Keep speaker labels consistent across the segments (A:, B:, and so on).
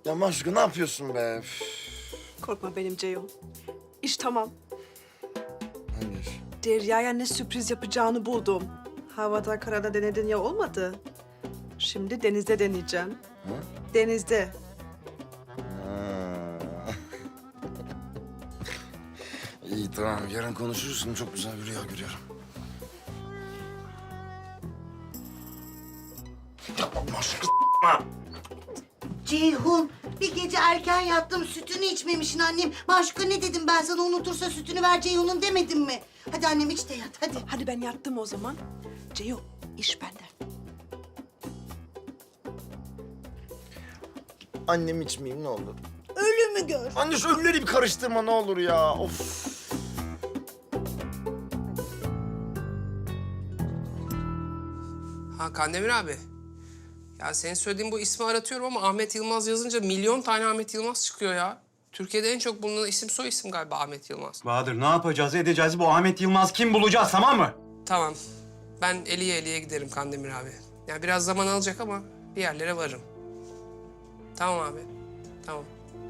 A: Ya Maşuka ne yapıyorsun be? Üf.
B: Korkma benim Ceyhun. İş tamam.
A: Hangi iş?
B: Derya'ya ne sürpriz yapacağını buldum. Havada karada denedin ya olmadı. Şimdi denizde deneyeceğim.
A: Ha?
B: Denizde.
A: Ha. İyi tamam yarın konuşuruz. Şimdi çok güzel bir rüya görüyorum. Maşuka
C: Ceyhun, bir gece erken yattım, sütünü içmemişsin annem. Maşuka ne dedim ben sana, unutursa sütünü ver Ceyhun'un demedim mi? Hadi annem iç de yat, hadi.
B: Hadi ben yattım o zaman. Ceyhun iş bende.
A: annem içmeyeyim ne olur.
C: Ölümü gör.
A: Anne şu ölüleri bir karıştırma ne olur ya. Of.
D: Ha Kandemir abi. Ya senin söylediğin bu ismi aratıyorum ama Ahmet Yılmaz yazınca milyon tane Ahmet Yılmaz çıkıyor ya. Türkiye'de en çok bulunan isim soy isim galiba Ahmet Yılmaz.
E: Bahadır ne yapacağız edeceğiz bu Ahmet Yılmaz kim bulacağız tamam mı?
D: Tamam. Ben eliye giderim Kandemir abi. Yani biraz zaman alacak ama bir yerlere varırım. Tamam abi. Tamam.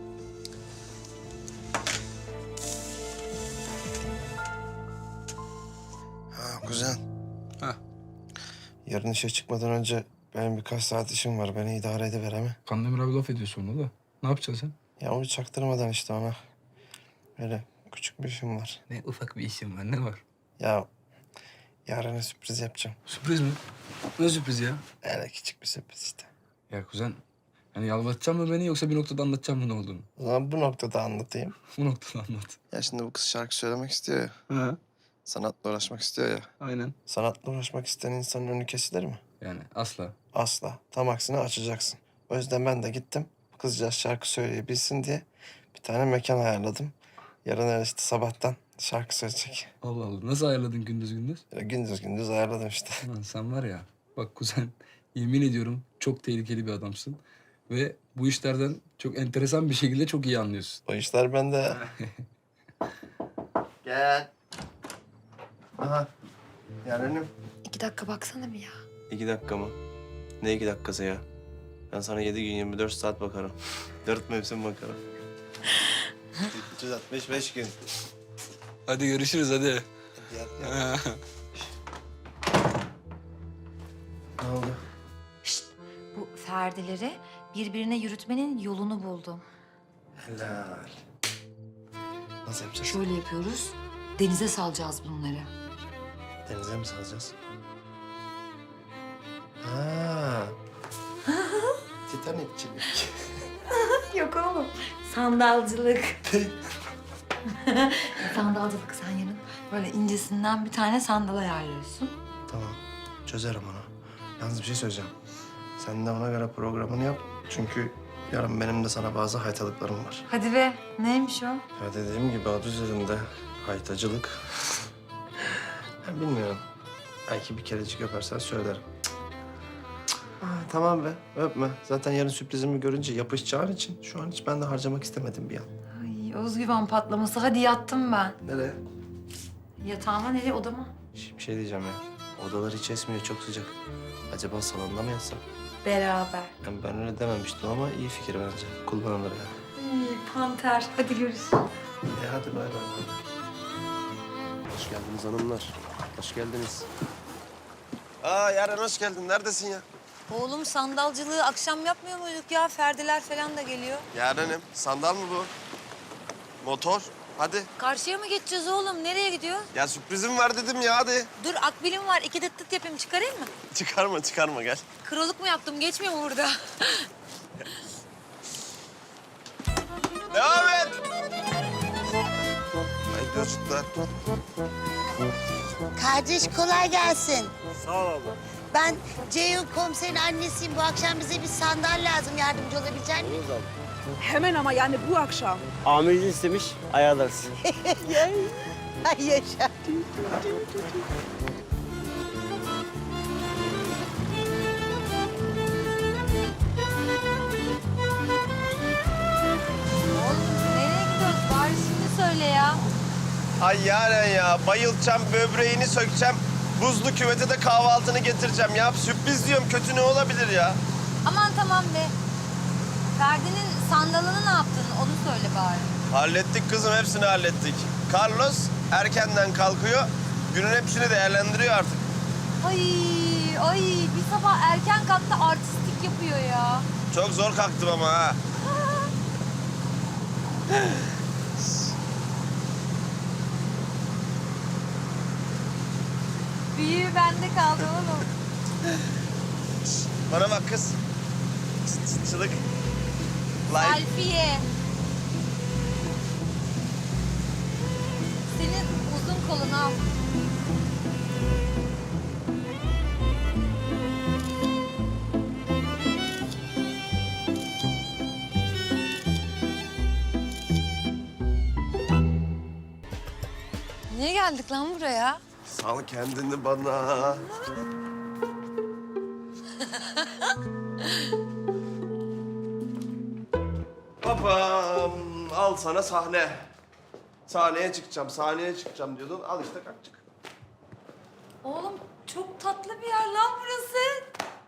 A: Ha kuzen.
F: Ha.
A: Yarın işe çıkmadan önce benim birkaç saat işim var. Beni idare ediver mi?
F: Kandemir abi laf ediyor sonra da. Ne yapacaksın sen?
A: Ya onu çaktırmadan işte ona. Öyle küçük bir işim var.
F: Ne ufak bir işim var ne var?
A: Ya yarına sürpriz yapacağım.
F: Sürpriz mi? Ne sürpriz ya?
A: Öyle küçük bir sürpriz işte.
F: Ya kuzen yani yalvartacak mı beni yoksa bir noktada anlatacak mı ne olduğunu?
A: O zaman bu noktada anlatayım.
F: Bu noktada anlat.
A: Ya şimdi bu kız şarkı söylemek istiyor ya.
F: Ha
A: Sanatla uğraşmak istiyor ya.
F: aynen.
A: Sanatla uğraşmak isteyen insanın önü kesilir mi?
F: Yani asla.
A: Asla. Tam aksine açacaksın. O yüzden ben de gittim. Kızcağız şarkı söyleyebilsin diye bir tane mekan ayarladım. Yarın öyle işte sabahtan şarkı söyleyecek.
F: Allah Allah nasıl ayarladın gündüz gündüz?
A: Böyle gündüz gündüz ayarladım işte.
F: Lan sen var ya bak kuzen yemin ediyorum çok tehlikeli bir adamsın. Ve bu işlerden çok enteresan bir şekilde çok iyi anlıyorsun.
A: O işler bende. Gel. Aha. Yarenim.
G: 2 dakika baksana bir ya.
H: 2 dakika mı? Ne 2 dakikası ya? Ben sana 7 gün 24 saat bakarım. 4 mevsim bakarım. 365 gün.
F: Hadi görüşürüz hadi.
A: Gel. Ne oldu?
G: Bu Ferdileri birbirine yürütmenin yolunu buldum.
A: Helal. Nasıl yapacağız?
G: Şöyle yapıyoruz. Denize salacağız bunları.
A: Denize mi salacağız? Ha. Titanikçilik.
G: Yok oğlum. Sandalcılık. Sandalcılık sen yarın böyle incesinden bir tane sandal ayarlıyorsun.
A: Tamam. Çözerim onu. Yalnız bir şey söyleyeceğim. Sen de ona göre programını yap. Çünkü yarın benim de sana bazı haytalıklarım var.
G: Hadi be. Neymiş o?
A: Ya dediğim gibi adı üzerinde haytacılık. Ben bilmiyorum. Belki bir kerecik öpersen söylerim. Tamam be, öpme. Zaten yarın sürprizimi görünce yapışacağın için şu an hiç ben de harcamak istemedim bir an.
G: Ay özgüven patlaması. Hadi yattım ben.
A: Nereye?
G: Yatağıma nereye? Odama.
A: Bir şey diyeceğim ya. Odalar hiç esmiyor, çok sıcak. Acaba salonda mı yatsam?
G: Beraber.
A: Ben öyle dememiştim ama iyi fikir bence. Kullanılır yani.
G: Ay, panter. Hadi görüşürüz.
A: Hadi bay bay.
H: Hoş geldiniz hanımlar. Hoş geldiniz.
A: Yaren hoş geldin. Neredesin ya?
I: Oğlum sandalcılığı akşam yapmıyor muyduk ya? Ferdiler falan da geliyor.
A: Yaren'im, sandal mı bu? Motor. Hadi.
I: Karşıya mı geçeceğiz oğlum? Nereye gidiyor?
A: Ya sürprizim var dedim ya hadi.
I: Dur akbilim var. 2 dıt dıt yapayım. Çıkarayım mı?
A: Çıkarma gel.
I: Krallık mı yaptım? Geçmiyor mu burada?
A: Devam et. Haydi çocuklar.
C: Kardeş kolay gelsin.
H: Sağ ol abla.
C: Ben Ceyhun komiserin annesiyim. Bu akşam bize bir sandal lazım. Yardımcı olabilecek misin?
B: Hemen ama yani bu akşam.
H: Amiriniz istemiş, ayarlarız.
C: Ay yaşa.
I: Oğlum nereye gidiyoruz? Bari şimdi söyle ya.
A: Ay Yaren ya, bayılacağım, böbreğini sökeceğim. Buzlu küvete de kahvaltını getireceğim ya. Sürpriz diyorum, kötü ne olabilir ya?
I: Aman tamam be. Ferdi'nin sandalını ne yaptın onu söyle bari.
H: Hallettik kızım, hepsini hallettik. Carlos erkenden kalkıyor, günün hepsini değerlendiriyor artık.
I: Ay bir sabah erken kalktı artistlik yapıyor ya.
H: Çok zor kalktım ama ha.
I: Büyüğü bende kaldı oğlum.
H: Bana bak kız. Çılık. Like.
I: Alfiye. Senin uzun kolun al. Niye geldik lan buraya?
H: Sal kendini bana. Babam, al sana sahne. Sahneye çıkacağım diyordun. Al işte kalktık.
I: Oğlum çok tatlı bir yer lan burası.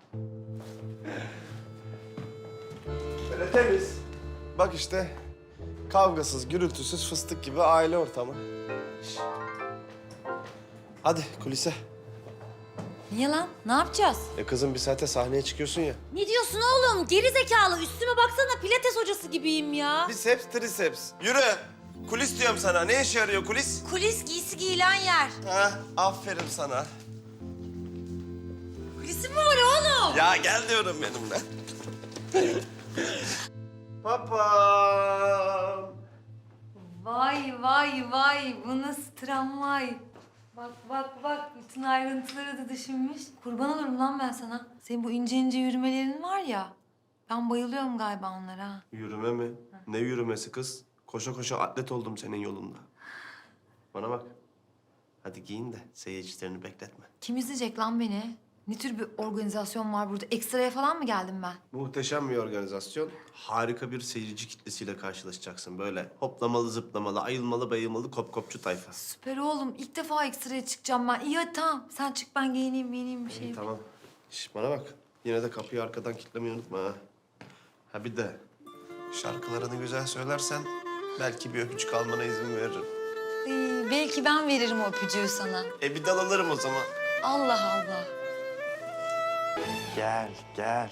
H: Böyle temiz. Bak işte, kavgasız, gürültüsüz, fıstık gibi aile ortamı. Şş. Hadi kulise.
I: Niye lan? Ne yapacağız?
H: Kızım bir saate sahneye çıkıyorsun ya.
I: Ne diyorsun oğlum? Geri zekalı. Üstüme baksana pilates hocası gibiyim ya.
H: Biceps, triceps. Yürü. Kulis diyorum sana. Ne işe yarıyor kulis?
I: Kulis giysi giyilen yer.
H: Ha, aferin sana.
I: Kulisi mi var oğlum?
H: Ya gel diyorum benimle. Papam.
I: Vay bu nasıl tramvay. Bak bütün ayrıntıları da düşünmüş. Kurban olurum lan ben sana. Senin bu ince ince yürümelerin var ya. Ben bayılıyorum galiba onlara.
H: Yürüme mi? Ne yürümesi kız? Koşa koşa atlet oldum senin yolunda. Bana bak. Hadi giyin de seyircilerini bekletme.
G: Kim izleyecek lan beni? Ne tür bir organizasyon var burada? Ekstraya falan mı geldim ben?
H: Muhteşem bir organizasyon. Harika bir seyirci kitlesiyle karşılaşacaksın. Böyle hoplamalı, zıplamalı, ayılmalı, bayılmalı kopçu tayfa.
G: Süper oğlum. İlk defa ekstraya çıkacağım ben. İyi hadi tamam. Sen çık ben giyineyim bir şey.
H: İyi, tamam. Şş, bana bak. Yine de kapıyı arkadan kilitlemeyi unutma ha. Ha bir de şarkılarını güzel söylersen belki bir öpücük almana izin veririm.
G: Belki ben veririm o öpücüğü sana.
H: Bir dal alırım o zaman.
G: Allah Allah.
H: Gel, gel.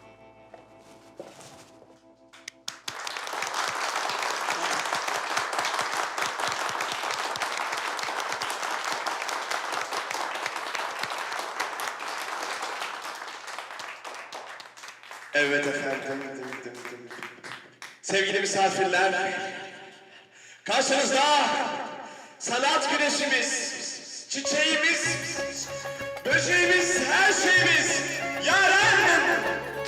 J: Evet efendim. Sevgili misafirler, karşınızda sanat güneşimiz, çiçeğimiz, böceğimiz, her şeyimiz Yaren.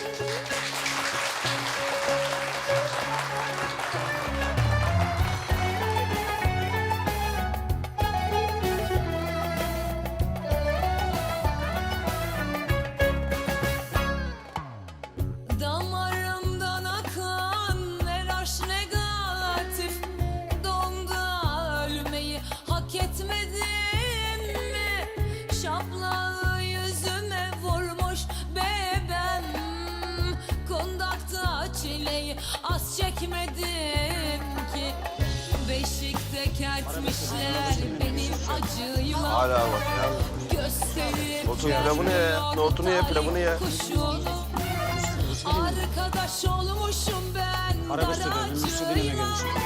I: Damarımdan akan ne aşk negatif. Donda ölmeyi hak etmedin mi? Şaplağı yüzüme vurmuş bebem. Kondakta çileyi az çekmedim ki. Beşikte kertmişler benim acıyla.
H: Hala bak ya.
I: Gösterip
H: Otur pilavını ye. Nohutunu ye, pilavını ye.
I: kuşunu. Arkadaş olmuşum ben daracığım. Üstüme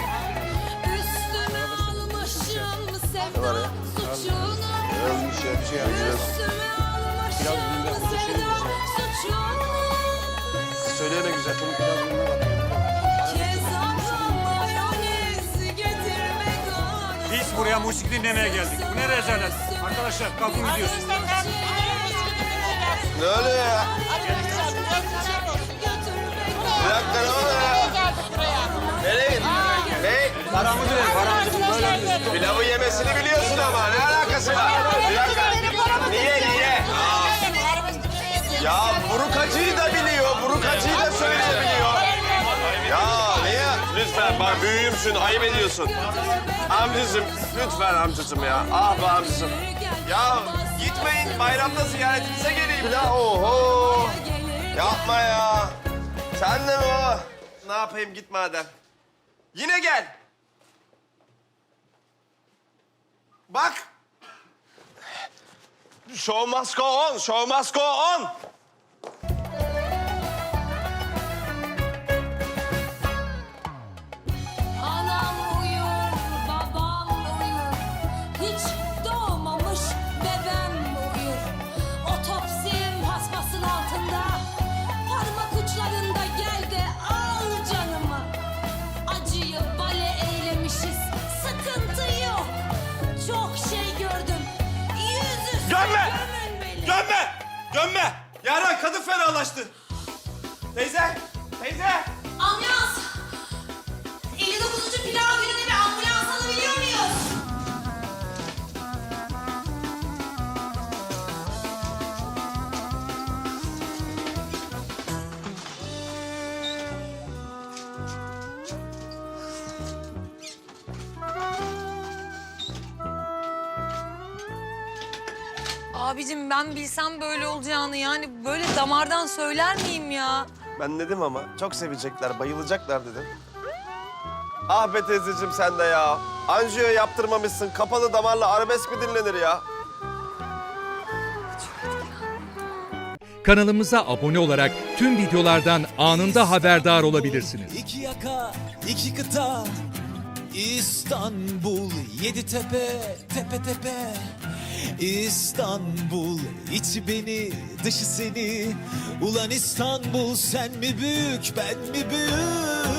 I: almışım sevda suçunu.
H: Ölmüş ya, bir şey yapacağız.
I: Üstüme almışım sevda suçunu.
H: Söyleyene güzel, bunun pilavını bak.
I: Kezaba mayonez getirme gana.
E: Biz buraya müzik dinlemeye geldik. Bu ne rezalet? Arkadaşlar kalkın gidiyoruz.
H: Ne oluyor ya? Bir dakika ne oluyor ya? Nereye gittin? Ne?
E: Paramızı ver, paramızı böyle.
H: Pilavı yemesini biliyorsun ama ne alakası var? Bir dakika. Niye? Ya buruk acıyı da biliyor, buruk acıyı da söyleyebiliyor. Ya niye? Lütfen bak büyüğümsün, ayıp ediyorsun. Amcacığım, lütfen amcacığım ya. Ah be amcacığım. Ya gitmeyin, bayramda ziyaretinize geleyim. Ya oho. Yapma ya. Sen de mi o? Ne yapayım git madem. Yine gel. Bak. Show must go on, show must go on.
I: Anam uyur, babam uyur. Hiç doğmamış bebem uyur. Otopsim paspasın altında. Parmak uçlarında gel de al canımı. Acıyı bale eylemişiz. Sıkıntı yok. Çok şey gördüm. Yüzüstü
H: Gömme!
I: gömün beni.
H: Gömme! Gömme! Yaren kadın fenalaştı. Teyze! Teyze!
I: Ambulans! 59. pilav gününe bir ambulans alabiliyor muyuz? Abicim ben bilsem böyle olacağını yani böyle damardan söyler miyim ya?
H: Ben dedim ama çok sevecekler, bayılacaklar dedim. Ah be teyzeciğim sen de ya. Anjiyo yaptırmamışsın. Kapalı damarla arabesk mi dinlenir ya?
K: Kanalımıza abone olarak tüm videolardan anında haberdar olabilirsiniz.
J: İki yaka, iki kıta, İstanbul, yedi tepe, tepe tepe. İstanbul, içi beni, dışı seni. Ulan İstanbul, sen mi büyük, ben mi büyük?